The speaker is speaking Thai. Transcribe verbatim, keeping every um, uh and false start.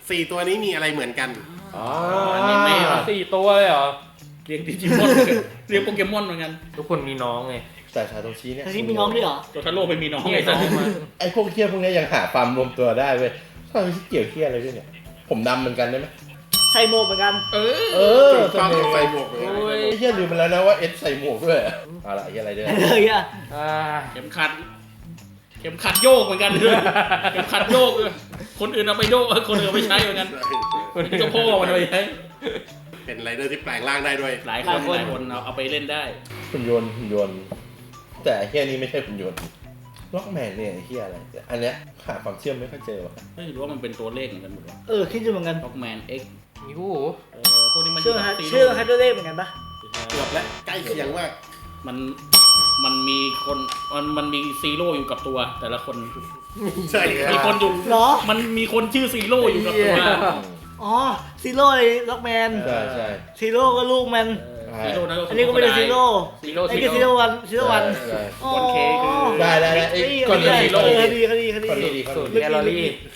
สี่ตัวนี้มีอะไรเหมือนกันอ๋ออนิเมะเหรอสี่ตัวเลยเหรอเรียงดิจิมอนเรียงโปเกมอนเหมือนกันทุกคนมีน้องไงแต่ชาโตชิเนี่ยแต่ที่มีน้องด้วยเหรอตัวทาโร่ไปมีน้องนี่ไงน้องมันไอ้พวกเคี้ยพวกเนี้ยยังหาความรวมตัวได้เว้ยชาโตชิเกี่ยวเคี้ยอะไรด้วยเนี่ยผมดำเหมือนกันได้ไหมใส่หมวกเหมือนกันเออเออถูกต้องต้องใส่หมวกเลยโอ้ยไอ้เคี้ยลืมไปแล้วนะว่าเอสใส่หมวกด้วยเอาละไอ้เคี้ยอะไรด้วยเลยอ่ะอ่าเข็มขัด เข็มขัดโยกเหมือนกันด้วยเข็มขัดโยกเลยคนอื่นเอาไปโยกคนอื่นเอาไปใช้เหมือนกันนี่ก็พ่อมันเอาไปใช้เป็นไรเดอร์ที่แปลงร่างได้ด้วยหลายคนหลายคนเอาเอาไปเล่นได้หุ่นยนต์หุ่นยนต์แต่ไอ้เคี้ยนี้ไม่ใช่หุ่นยนต์ล็อกแมนเนี่ยไอ้เคี้ยอะไรอันเนี้ยหาความเชื่อมไม่ค่อยเจอว่ะไม่รู้ว่ามันเป็นตัวเลขเหมือนกันหมดวะเออคิดอยู่เหมือนกันล็อกแมนเอ็กมีหูเออพวกนี้มันเชื่อฮะซีเชื่อโร่ฮัตเตอร์เลขเหมือนกันปะเกือบแล้วใกล้เคียงมากมันมันมีคนมันมันมีซีโร่อยู่กับตัว แต่ละคนใช่ครับมีคนอยู่เหรอมันมีคนชื่อซีโร่อยู่กับตัวอ๋อซีโร่เลยล็อกแมนใช่ใช่ซีโร่ก็ลูกมันซีโร่นั่นก็อันนี้ก็ไม่ได้ซีโร่ซีโร่ไอ้ซีก็ซีโร่โร่วันซีโร่วันใช่อ๋อวันเคคือได้ได้ได้ไอ้ไอ้ก่อนคดีดีก่อนดีคดีคดีคดีก่อนดีก่อนสูตรดีแคลอรี่